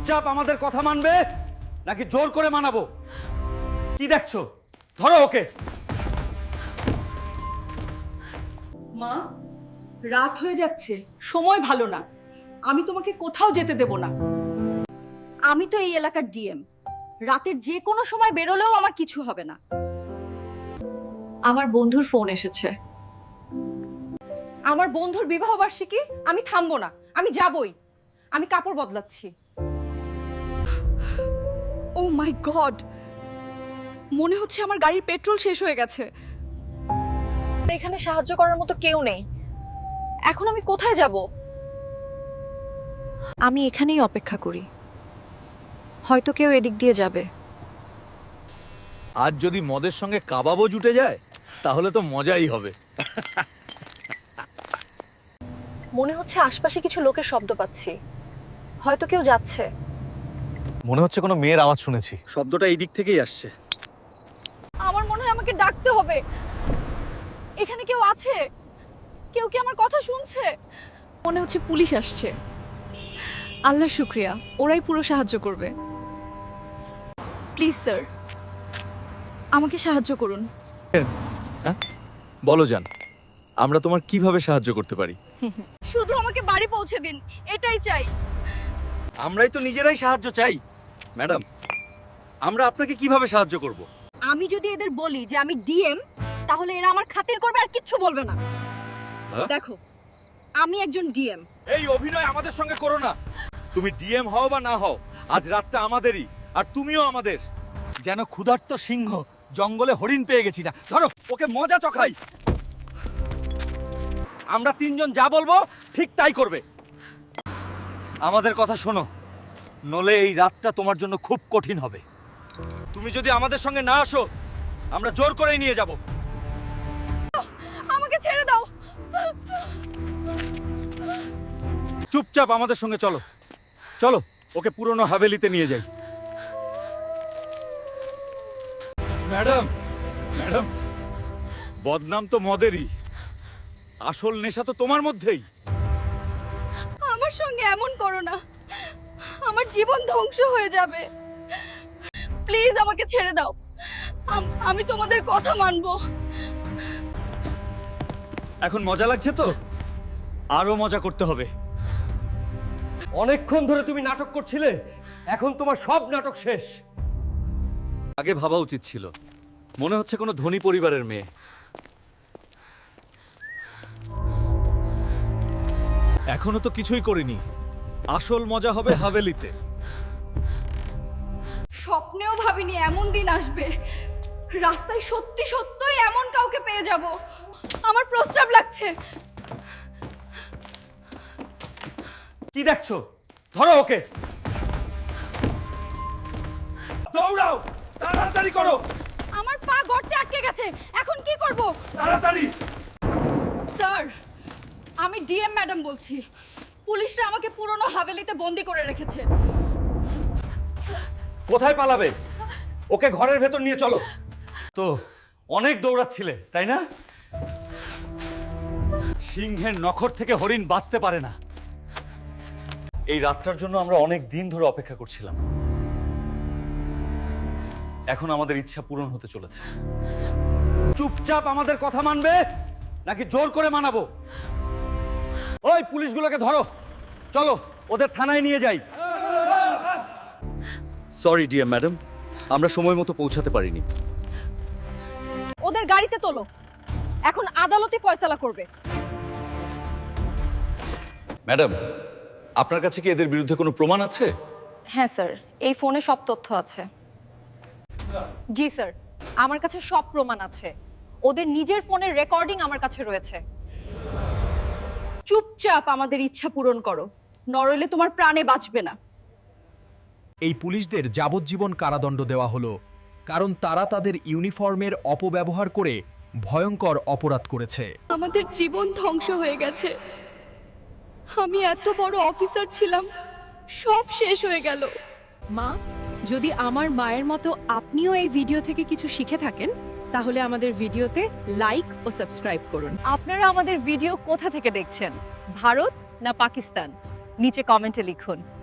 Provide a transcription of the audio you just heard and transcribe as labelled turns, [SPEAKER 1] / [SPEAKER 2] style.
[SPEAKER 1] চুপচাপ আমাদের কথা মানবে নাকি জোর করে মানাবো? কি দেখছো? ধরো ওকে।
[SPEAKER 2] মা, রাত হয়ে যাচ্ছে, সময় ভালো না। আমি তোমাকে কোথাও যেতে দেব না।
[SPEAKER 3] আমি তো এই এলাকার ডিএম। রাতের যে কোনো সময় বেরোলেও আমার কিছু হবে না। আমার বন্ধুর ফোন এসেছে। আমার বন্ধুর বিবাহ বার্ষিকী, আমি থামবো না, আমি যাবই। আমি কাপড় বদলাচ্ছি। ও মাই গড, মনে হচ্ছে আমার গাড়ির পেট্রোল শেষ হয়ে গেছে। এখানে সাহায্য করার মতো কেউ নেই। এখন আমি কোথায় যাব? আমি এখানেই অপেক্ষা করি, হয়তো কেউ এদিক দিয়ে যাবে।
[SPEAKER 4] আজ যদি মদের সঙ্গে কাবাবও জুটে যায় তাহলে তো মজাই হবে।
[SPEAKER 3] মনে হচ্ছে আশপাশে কিছু লোকের শব্দ পাচ্ছি, হয়তো কেউ যাচ্ছে।
[SPEAKER 4] মনে হচ্ছে কোনো মেয়ের আওয়াজ শুনেছি।
[SPEAKER 1] শব্দটা এই দিক থেকেই আসছে।
[SPEAKER 3] আমার মনে হয় আমাকে ডাকতে হবে। এখানে কেউ আছে? কেউ কি আমার কথা শুনছে? মনে হচ্ছে পুলিশ আসছে। আল্লাহর শুকরিয়া, ওরাই পুরো সাহায্য করবে। প্লিজ স্যার, আমাকে সাহায্য করুন।
[SPEAKER 4] বলো জান, আমরা তোমার কিভাবে সাহায্য করতে পারি?
[SPEAKER 3] শুধু আমাকে বাড়ি পৌঁছে দিন, এটাই চাই।
[SPEAKER 1] আমরাই তো নিজেরাই সাহায্য চাই। ম্যাডাম, আমরা আপনাকে কিভাবে সাহায্য করব?
[SPEAKER 3] আমি যদি এদের বলি যে আমি ডিএম, তাহলে এরা আমার খাতির করবে আর কিচ্ছু বলবে না।
[SPEAKER 1] হ্যাঁ?
[SPEAKER 3] দেখো, আমি একজন ডিএম।
[SPEAKER 1] এই অভিনয় আমাদের সঙ্গে করো না। তুমি ডিএম হও বা না হও, আজ রাতটা আমাদেরই, আর তুমিও আমাদের। যেন ক্ষুধার্ত সিংহ জঙ্গলে হরিণ পেয়ে গেছি না। ধরো ওকে, মজা চখাই। আমরা তিনজন যা বলবো ঠিক তাই করবে। আমাদের কথা শোনো, নলে এই রাতটা তোমার জন্য খুব কঠিন হবে। তুমি যদি আমাদের সঙ্গে না আসো, আমরা জোর করেই নিয়ে যাব।
[SPEAKER 3] আমাকে ছেড়ে দাও।
[SPEAKER 1] চুপচাপ আমাদের সঙ্গে চলো। চলো ওকে পুরনো হাভেলিতে নিয়ে যাই। ম্যাডাম, ম্যাডাম, বদনাম তো মদেরই, আসল নেশা তো তোমার মধ্যেই।
[SPEAKER 3] আমার সঙ্গে এমন করো না, আমার জীবন ধ্বংস হয়ে যাবে। প্লিজ আমাকে ছেড়ে দাও। আমি তোমাদের কথা মানবো।
[SPEAKER 1] এখন মজা লাগছে তো? আরো মজা করতে হবে। অনেকক্ষণ ধরে তুমি নাটক করছিলে, এখন তোমার সব নাটক শেষ। আগে ভাবা উচিত ছিল, মনে হচ্ছে কোনো ধনী পরিবারের মেয়ে।
[SPEAKER 4] এখনো তো কিছুই করিনি। আসল মজা হবে হাভেলিতে।
[SPEAKER 3] স্বপ্নেও ভাবিনি এমন দিন আসবে। রাস্তায় সত্যি সত্যই এমন কাউকে পেয়ে যাব। আমার প্রস্রাব লাগছে।
[SPEAKER 1] কি দেখছো? ধরো ওকে। দৌড়াও, তাড়াতাড়ি করো।
[SPEAKER 3] আমার পা গর্তে আটকে গেছে, এখন কি করব?
[SPEAKER 1] তাড়াতাড়ি।
[SPEAKER 3] স্যার, আমি ডিএম ম্যাডাম বলছি। পুলিশরা আমাকে পুরনো হাভেলিতে বন্দি করে রেখেছে।
[SPEAKER 1] কোথায় পালাবে? ওকে ঘরের ভেতর নিয়ে চলো। তো অনেক দৌড়াচ্ছিলে, তাই না? সিংহের নখর থেকে হরিণ বাঁচতে পারে না। এই রাতটার জন্য আমরা অনেক দিন ধরে অপেক্ষা করছিলাম। এখন আমাদের ইচ্ছা পূরণ হতে চলেছে। চুপচাপ আমাদের কথা মানবে নাকি জোর করে মানাবো? ওই পুলিশগুলোকে ধরো, চলো ওদের থানায় নিয়ে যাই। সরি ডিয়ার ম্যাডাম, আমরা সময় মতো পৌঁছাতে পারিনি।
[SPEAKER 3] ওদের গাড়িতে তোলো, এখন আদালতে ফয়সালা করবে।
[SPEAKER 1] ম্যাডাম, আপনার কাছে কি এদের বিরুদ্ধে কোনো প্রমাণ আছে?
[SPEAKER 3] হ্যাঁ স্যার, এই ফোনে সব তথ্য আছে। জি স্যার, আমার কাছে সব প্রমাণ আছে। ওদের নিজের ফোনের রেকর্ডিং আমার কাছে রয়েছে। চুপচাপ আমাদের ইচ্ছা পূরণ করো, নরইলে তোমার প্রাণে বাঁচবে না।
[SPEAKER 5] এই পুলিশদের যাবজ্জীবন কারাদণ্ড দেওয়া হলো, কারণ তারা তাদের ইউনিফর্মের অপব্যবহার করে ভয়ঙ্কর অপরাধ করেছে।
[SPEAKER 3] আমাদের জীবন ধ্বংস হয়ে গেছে। আমি এত বড় অফিসার ছিলাম, সব শেষ হয়ে গেল।
[SPEAKER 6] মা, যদি আমার মায়ের মতো আপনিও এই ভিডিও থেকে কিছু শিখে থাকেন, তাহলে আমাদের ভিডিওতে লাইক ও সাবস্ক্রাইব করুন।
[SPEAKER 3] আপনারা আমাদের ভিডিও কোথা থেকে দেখছেন, ভারত না পাকিস্তান? নিচে কমেন্টে লিখুন।